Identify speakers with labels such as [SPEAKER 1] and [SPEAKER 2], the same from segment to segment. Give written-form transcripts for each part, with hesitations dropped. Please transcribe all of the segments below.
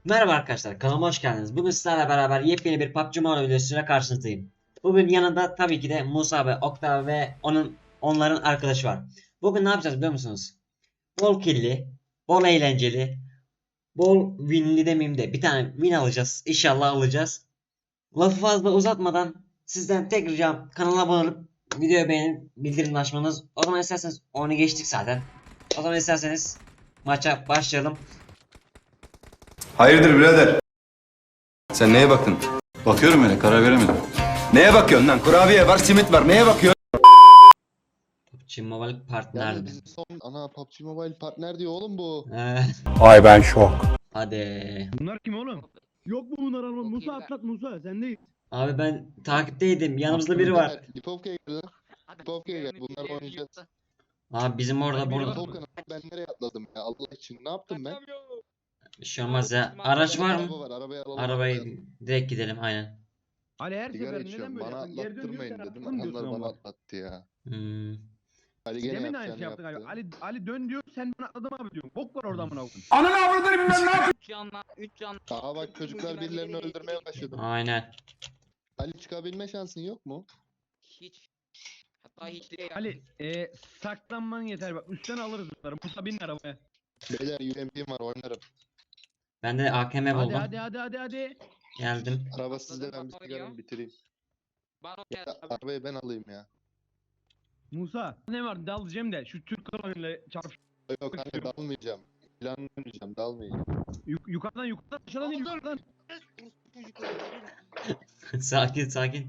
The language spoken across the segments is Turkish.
[SPEAKER 1] Merhaba arkadaşlar, kanalıma hoş geldiniz. Bugün sizlerle beraber yepyeni bir PUBG Mobile videosuyla karşınızdayım. Bugün yanında tabii ki de Musa ve Oktav ve onların arkadaşı var. Bugün ne yapacağız biliyor musunuz? Bol killi, bol eğlenceli, bol winli demeyeyim de bir tane win alacağız. İnşallah alacağız. Lafı fazla uzatmadan sizden tek ricam kanala abone olup videoyu beğenip bildirim açmanız. O zaman isterseniz onu geçtik zaten. O zaman isterseniz maça başlayalım.
[SPEAKER 2] Hayırdır birader? Sen neye baktın? Bakıyorum öyle, karar veremedim. Neye bakıyorsun lan? Kurabiye var, simit var. Neye bakıyorsun?
[SPEAKER 1] PUBG Mobile partner.
[SPEAKER 3] Yalnız bizim son PUBG Mobile partner diyor oğlum bu.
[SPEAKER 4] Ay ben şok.
[SPEAKER 1] Hadi.
[SPEAKER 5] Bunlar kim oğlum? Yok mu bunlar Alman? Musa atlat Musa sen değil.
[SPEAKER 1] Abi ben takipteydim. Yanımızda biri var.
[SPEAKER 3] Lipovka'ya gel lan. Lipovka'ya gel. Bunlar oynayacağız.
[SPEAKER 1] Abi bizim orada burada.
[SPEAKER 3] Lipovka'nın ben nereye atladım ya Allah için. Ne yaptım ben?
[SPEAKER 1] Bir şey olmaz ya. Araç var
[SPEAKER 3] Araba
[SPEAKER 1] mı?
[SPEAKER 3] var. Arabayı alalım.
[SPEAKER 1] Arabayı direkt gidelim aynen.
[SPEAKER 5] Ali her
[SPEAKER 3] Sigara
[SPEAKER 5] seferinde
[SPEAKER 3] içiyorum.
[SPEAKER 5] neden böyle
[SPEAKER 3] Bana
[SPEAKER 5] yapıyorsun? Geri dön
[SPEAKER 3] atlattırmayın
[SPEAKER 5] diyorsun,
[SPEAKER 3] dedim.
[SPEAKER 5] atladın diyorsun
[SPEAKER 3] Onlar bana
[SPEAKER 5] ama.
[SPEAKER 3] atlattı ya.
[SPEAKER 1] Hmm.
[SPEAKER 3] Ali gene
[SPEAKER 5] Demin aynı
[SPEAKER 3] yapacağını
[SPEAKER 5] şey yaptın
[SPEAKER 3] yaptı.
[SPEAKER 5] galiba. Ali dön diyor sen ben atladım abi diyorsun. Bok var orada amına koyayım.
[SPEAKER 4] Ananı avradını bilmem ne yapayım.
[SPEAKER 6] 3 canla.
[SPEAKER 3] Aa bak çocuklar birilerini öldürmeye başladı.
[SPEAKER 1] Aynen.
[SPEAKER 3] Ali çıkabilme şansın yok mu?
[SPEAKER 6] Hiç. Hatta hiç değil.
[SPEAKER 5] Ali saklanman yeter bak üstten alırız bunları. Musa bin arabaya.
[SPEAKER 3] Beyler UMP'm var oynarım.
[SPEAKER 1] Ben de AKM
[SPEAKER 5] Hadi
[SPEAKER 1] buldum.
[SPEAKER 5] hadi.
[SPEAKER 1] Geldim.
[SPEAKER 3] Araba sizde ben bir
[SPEAKER 6] Atladım,
[SPEAKER 3] sigaramı bitireyim.
[SPEAKER 6] Bana
[SPEAKER 3] Ya,
[SPEAKER 6] gel.
[SPEAKER 3] arabayı ben alayım ya.
[SPEAKER 5] Musa ne var dalacağım da şu Türk kanalıyla çarp.
[SPEAKER 3] Yok kanka dalmayacağım. Planlamayacağım dalmayacağım.
[SPEAKER 5] Yukarıdan aşağıdan değil yukarıdan.
[SPEAKER 1] Sakin sakin.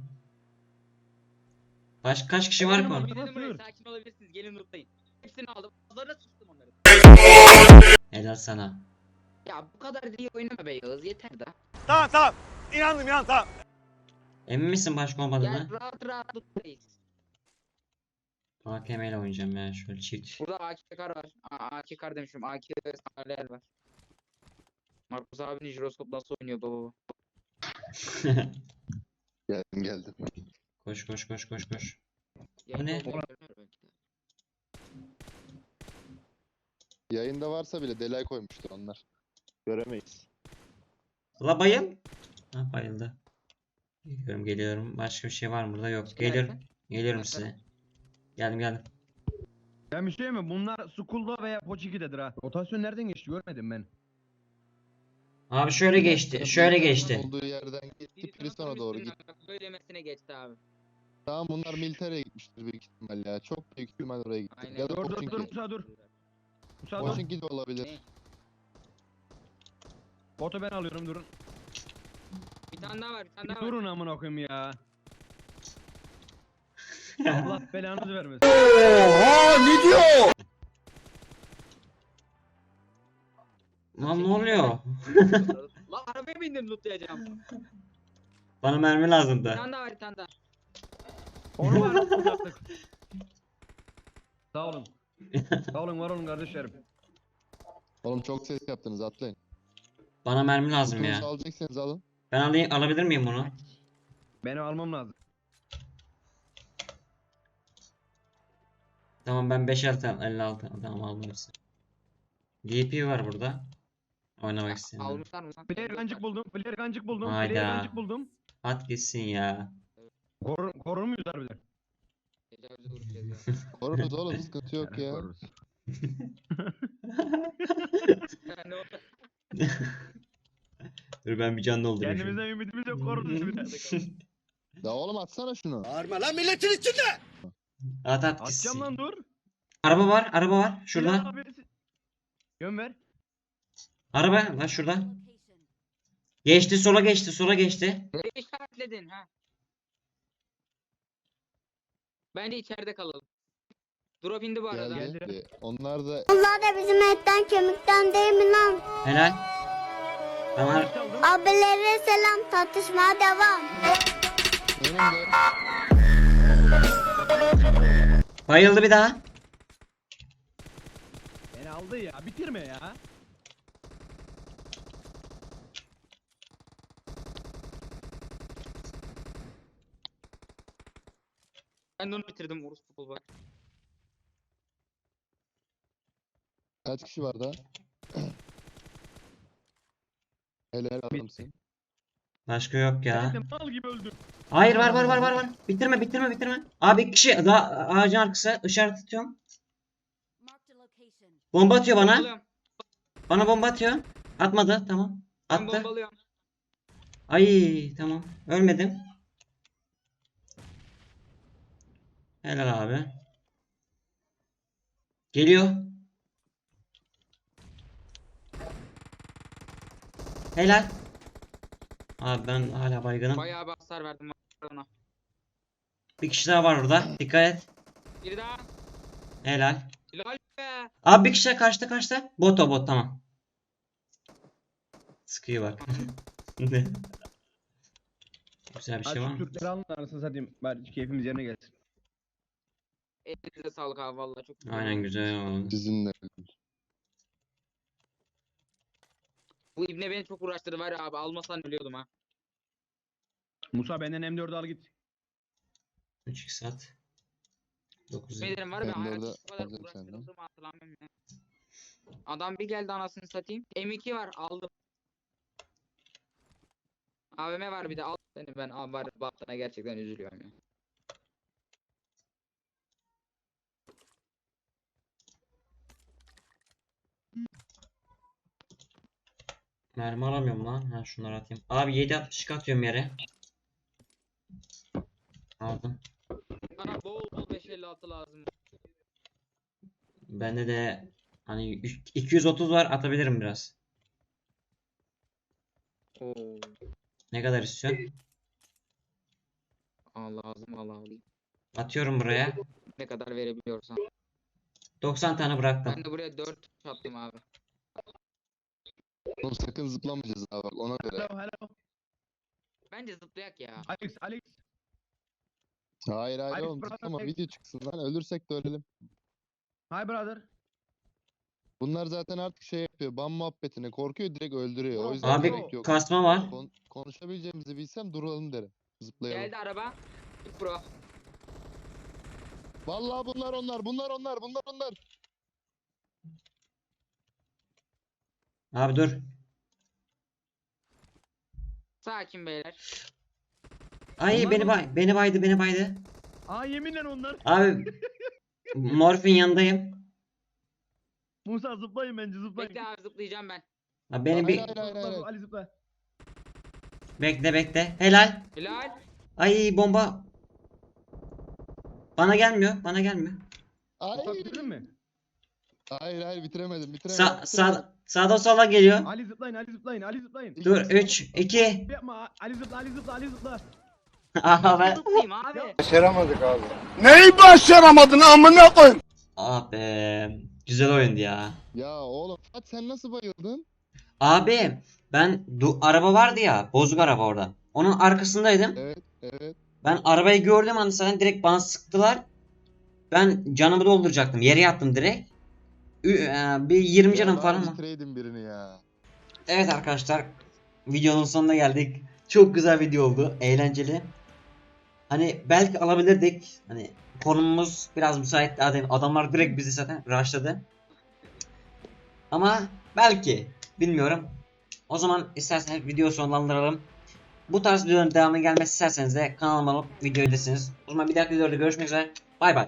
[SPEAKER 1] Kaç kişi var ki orada?
[SPEAKER 6] Dedim buraya sakin olabilirsiniz. Gelin lootlayın. Hepsini aldım. Bazılarına sustum onları.
[SPEAKER 1] Helal sana.
[SPEAKER 6] Ya bu kadar da iyi oynama be Yağız. Yeter da.
[SPEAKER 4] Tamam. İnandım tamam.
[SPEAKER 1] Emin misin başka
[SPEAKER 6] Gel
[SPEAKER 1] olmadığını?
[SPEAKER 6] rahat lootlayız.
[SPEAKER 1] AKM ile oynayacağım ya şöyle çift.
[SPEAKER 6] Burada AKK'lar var. AKK'lar demişim. AK sandalyeler var. Markus abinin jiroskop nasıl oynuyor baba?
[SPEAKER 3] Geldim.
[SPEAKER 1] Koş.
[SPEAKER 6] Yayında
[SPEAKER 1] ne?
[SPEAKER 6] olduğunu görmüyor belki de.
[SPEAKER 3] Yayında varsa bile delay koymuştur onlar. Göremeyiz.
[SPEAKER 1] La bayıl. Ha bayıldı. Geliyorum. Başka bir şey var mı burada? Yok. Geliyorum. Geliyorum size. Geldim.
[SPEAKER 5] Ben bir şey mi? Bunlar Skull'da veya Poçiki'dedir ha. Rotasyon nereden geçti görmedim ben.
[SPEAKER 1] Abi şöyle geçti. Şöyle geçti.
[SPEAKER 3] Olduğu yerden gitti Prison'a doğru gitti.
[SPEAKER 6] Böylemesine geçti abi.
[SPEAKER 3] Tamam bunlar militereye gitmiştir büyük ihtimal ya. Çok büyük ihtimal oraya gitti.
[SPEAKER 6] Aynen.
[SPEAKER 3] Ya da
[SPEAKER 5] Dur
[SPEAKER 3] Pochinki.
[SPEAKER 5] Musa dur. Musa dur.
[SPEAKER 3] Pochinki de olabilir.
[SPEAKER 5] Botu ben alıyorum durun.
[SPEAKER 6] Bir tane daha var.
[SPEAKER 5] Bir durun amına koyayım ya. Allah belanızı vermesin.
[SPEAKER 4] Oha ne diyor?
[SPEAKER 1] Lan ne oluyor?
[SPEAKER 6] Lan arabaya bindim lootlayacağım.
[SPEAKER 1] Bana mermi
[SPEAKER 6] Bir
[SPEAKER 1] lazımdı.
[SPEAKER 6] tane daha var bir tane daha.
[SPEAKER 5] Onu var uzattık. Sağ olun. Sağ olun var olun kardeşlerim.
[SPEAKER 3] Oğlum çok ses yaptınız atlayın.
[SPEAKER 1] Bana mermi lazım
[SPEAKER 3] Kutunuzu
[SPEAKER 1] ya.
[SPEAKER 3] alacaksanız alın.
[SPEAKER 1] Ben alabilir miyim bunu?
[SPEAKER 5] Benim almam lazım.
[SPEAKER 1] Tamam ben 56 tamam aldım hepsini. DP var burada. Oynamak istedim.
[SPEAKER 6] Almışlar mı lan?
[SPEAKER 5] Player kancık buldum.
[SPEAKER 1] Hayda.
[SPEAKER 5] Player kancık buldum.
[SPEAKER 1] At gitsin ya.
[SPEAKER 5] Korur muyuz harbiden?
[SPEAKER 6] Tecavüze uğrayacağız ya.
[SPEAKER 3] Koruruz oğlum sıkıntı yok ya.
[SPEAKER 5] Koruruz.
[SPEAKER 6] Yani o-
[SPEAKER 1] Dur ben bir can doldurayım.
[SPEAKER 5] Kendimizden ümidimiz yok koruruz bir tane kaldı.
[SPEAKER 3] Ya oğlum atsana şunu.
[SPEAKER 1] At gitsin.
[SPEAKER 5] Atacağım lan dur.
[SPEAKER 1] Araba var. Şurada.
[SPEAKER 5] Yön ver.
[SPEAKER 1] Araba lan şurada. Geçti sola geçti.
[SPEAKER 6] Nereye işaretledin ha? Bence içeride kalalım. Drop indi bu arada.
[SPEAKER 3] Geldi. Onlar da
[SPEAKER 7] Onlar da bizim etten kemikten değil mi lan?
[SPEAKER 1] Helal. Tamam.
[SPEAKER 5] Çaldım.
[SPEAKER 7] Abilere selam, tartışmaya devam.
[SPEAKER 3] önümde.
[SPEAKER 1] Bayıldı bir daha.
[SPEAKER 5] Beni aldı ya bitirme ya.
[SPEAKER 6] Ben de onu bitirdim Urus futbol bak.
[SPEAKER 3] Kaç kişi var daha? Helal adamsın.
[SPEAKER 1] Başka yok ya.
[SPEAKER 5] Ben de mal gibi öldüm.
[SPEAKER 1] Hayır var. Bitirme. Abi iki kişi daha ağacın arkası işaret atıyorum. Bomba atıyor bana.
[SPEAKER 6] Bombalıyorum.
[SPEAKER 1] Bana bomba atıyor. Atmadı tamam.
[SPEAKER 6] Ben
[SPEAKER 1] Attı.
[SPEAKER 6] bombalıyorum.
[SPEAKER 1] Ay tamam. Ölmedim. Helal abi. Geliyor. Helal. Abi ben hala baygınım.
[SPEAKER 6] Bayağı bir hasar verdim ona.
[SPEAKER 1] Bir kişi daha var orada. Dikkat et.
[SPEAKER 6] Biri daha.
[SPEAKER 1] Helal.
[SPEAKER 6] Helal be.
[SPEAKER 1] Abi bir kişi daha karşıda. Bot o bot tamam. Sıkıyor bak. Güzel bir
[SPEAKER 5] Hadi
[SPEAKER 1] şey var
[SPEAKER 5] şu
[SPEAKER 1] mı?
[SPEAKER 5] Türkleri alın anasını satayım. Bari keyfimiz yerine gelsin.
[SPEAKER 6] Elinize sağlık abi vallahi çok güzel.
[SPEAKER 1] Aynen güzel oldu.
[SPEAKER 3] Sizinle.
[SPEAKER 6] Bu ibne beni çok uğraştırdı var ya abi, almasan ölüyordum ha.
[SPEAKER 5] Musa benden M4'ü al git.
[SPEAKER 1] 3 saat. 9
[SPEAKER 6] Ne derim var ya,
[SPEAKER 3] Ben de
[SPEAKER 6] hayatımda
[SPEAKER 3] orada
[SPEAKER 6] bu kadar
[SPEAKER 3] alacağım senden.
[SPEAKER 6] uğraştırdığımı hatırlamıyorum ya. Adam bir geldi anasını satayım. M2 var aldım. AVM var bir de al seni, ben abi var baktığına gerçekten üzülüyorum ya.
[SPEAKER 1] Mermi alamıyorum lan. Ha şunları atayım. Abi 7.62 atıyorum yere. Aldım.
[SPEAKER 6] Bana bol bol 556 lazım.
[SPEAKER 1] Bende de hani 230 var, atabilirim biraz.
[SPEAKER 6] Oo.
[SPEAKER 1] Ne kadar istiyorsun?
[SPEAKER 6] Al lazım Allah alayım.
[SPEAKER 1] Atıyorum buraya.
[SPEAKER 6] Ne kadar verebiliyorsan.
[SPEAKER 1] 90 tane bıraktım.
[SPEAKER 6] Ben de buraya 4 attım abi.
[SPEAKER 3] Oğlum sakın zıplamayacağız ha bak ona göre.
[SPEAKER 5] Hello.
[SPEAKER 6] Bence zıplayak ya.
[SPEAKER 5] Alex.
[SPEAKER 3] Hayır
[SPEAKER 5] Alex,
[SPEAKER 3] oğlum
[SPEAKER 5] brother,
[SPEAKER 3] zıplama
[SPEAKER 5] Alex.
[SPEAKER 3] video çıksın lan ölürsek de ölelim.
[SPEAKER 5] Hi brother.
[SPEAKER 3] Bunlar zaten artık şey yapıyor ban muhabbetine korkuyor direkt öldürüyor. O
[SPEAKER 5] Bro,
[SPEAKER 3] yüzden
[SPEAKER 1] Abi
[SPEAKER 3] gerek yok.
[SPEAKER 1] kasma var.
[SPEAKER 3] Konuşabileceğimizi bilsem duralım derim. Zıplayalım.
[SPEAKER 6] Geldi araba. Git bro.
[SPEAKER 3] Vallahi bunlar onlar.
[SPEAKER 1] Abi dur.
[SPEAKER 6] Sakin beyler.
[SPEAKER 1] Ay
[SPEAKER 5] Onlar
[SPEAKER 1] beni
[SPEAKER 5] mı?
[SPEAKER 1] beni baydı.
[SPEAKER 5] Aa yeminle onlar.
[SPEAKER 1] Abi morfin yanındayım.
[SPEAKER 5] Musa zıplayın bence zıplayın.
[SPEAKER 6] Bekle abi, zıplayacağım ben.
[SPEAKER 1] Abi beni bir
[SPEAKER 3] Hayır.
[SPEAKER 5] Ali zıpla.
[SPEAKER 1] bekle. Helal.
[SPEAKER 6] Helal.
[SPEAKER 1] Ay bomba. Bana gelmiyor.
[SPEAKER 5] Musa bitirdin mi?
[SPEAKER 3] Hayır bitiremedim.
[SPEAKER 1] Sağda sola geliyor.
[SPEAKER 5] Ali zıplayın.
[SPEAKER 1] Dur 3 2.
[SPEAKER 5] Yapma Ali zıpla.
[SPEAKER 1] Aha ben.
[SPEAKER 6] Zıplayayım abi.
[SPEAKER 4] Başaramadık abi. Neyi başaramadın amına koyayım?
[SPEAKER 1] Abi güzel oyundu ya.
[SPEAKER 3] Ya oğlum Fatih sen nasıl bayıldın?
[SPEAKER 1] Abi ben araba vardı ya, bozuk araba orada. Onun arkasındaydım.
[SPEAKER 3] Evet.
[SPEAKER 1] Ben arabayı gördüm hani zaten direkt bana sıktılar. Ben canımı dolduracaktım. Yere yattım direkt. Bir 20 canım
[SPEAKER 3] Ya
[SPEAKER 1] falan
[SPEAKER 3] bari
[SPEAKER 1] var.
[SPEAKER 3] bitireydin birini ya.
[SPEAKER 1] Evet arkadaşlar, videonun sonuna geldik. Çok güzel video oldu. Eğlenceli. Hani belki alabilirdik. Hani konumuz biraz müsait. Adamlar direkt bizi zaten rushladı. Ama belki bilmiyorum. O zaman isterseniz video sonlandıralım. Bu tarz videoların devamı gelmesi isterseniz de kanalıma olup video izlesiniz. O zaman bir dahaki videoda görüşmek üzere. Bay bay.